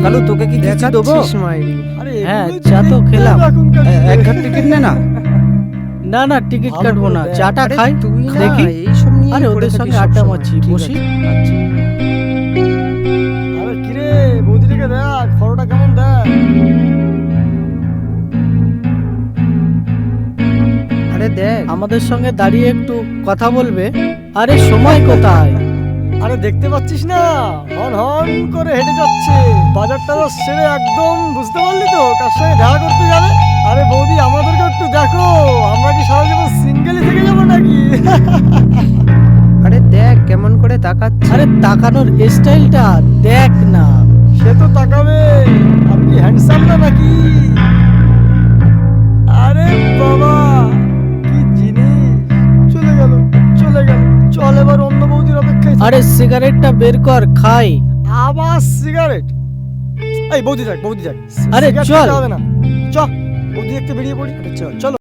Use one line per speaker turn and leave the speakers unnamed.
কালু তোকে কি কিছু দেবো?
আরে
হ্যাঁ,
এগুলোই
চা তো
দেখতে
খেলাম।
এখনকার
এক ঘাট টিকিট নে না।
না না টিকিট
ভালো
কাটবো
করে
না,
দেখ।
চাটা
আরে
খাই
তুই না
দেখি।
এইসব নিয়ে
আরে ওদের সঙ্গে আড্ডা মারছি, বসি।
আচ্ছা।
আরে কিরে বৌদিটাকে দেখ ফটোটা কেমন দেখ।
আরে দেখ
আমাদের সঙ্গে দাঁড়িয়ে একটু কথা বলবে? আরে সময় কোথায়?
আরে দেখতে পাচ্ছিস না হন হন করে হেঁটে যাচ্ছে, বাজারটা সেরে একদম, বুঝতে পারলি তো কার সঙ্গে দেখা করতে যাবে। আরে বৌদি আমাদেরকে একটু দেখো, আমরা কি সারা জীবন সিঙ্গেলই থেকে যাবো নাকি?
আরে দেখ কেমন করে তাকাচ্ছে।
আরে তাকানোর স্টাইলটা দেখ না।
সে তো তাকাবে, আমি কি হ্যান্ডসাম না নাকি? আরে বাবা কি জিনিস, চলে গেল চলে গেল। চল এবার অন্য বৌদির অপেক্ষায় থাকি।
আরে সিগারেটটা বের কর, খাই।
আবার সিগারেট? এই বৌদি যাক বৌদি যাক,
আরে
সিগারেট
চল।
খেতে হবে না, চ বৌদি দেখতে বেরিয়ে পড়ি। চল চলো।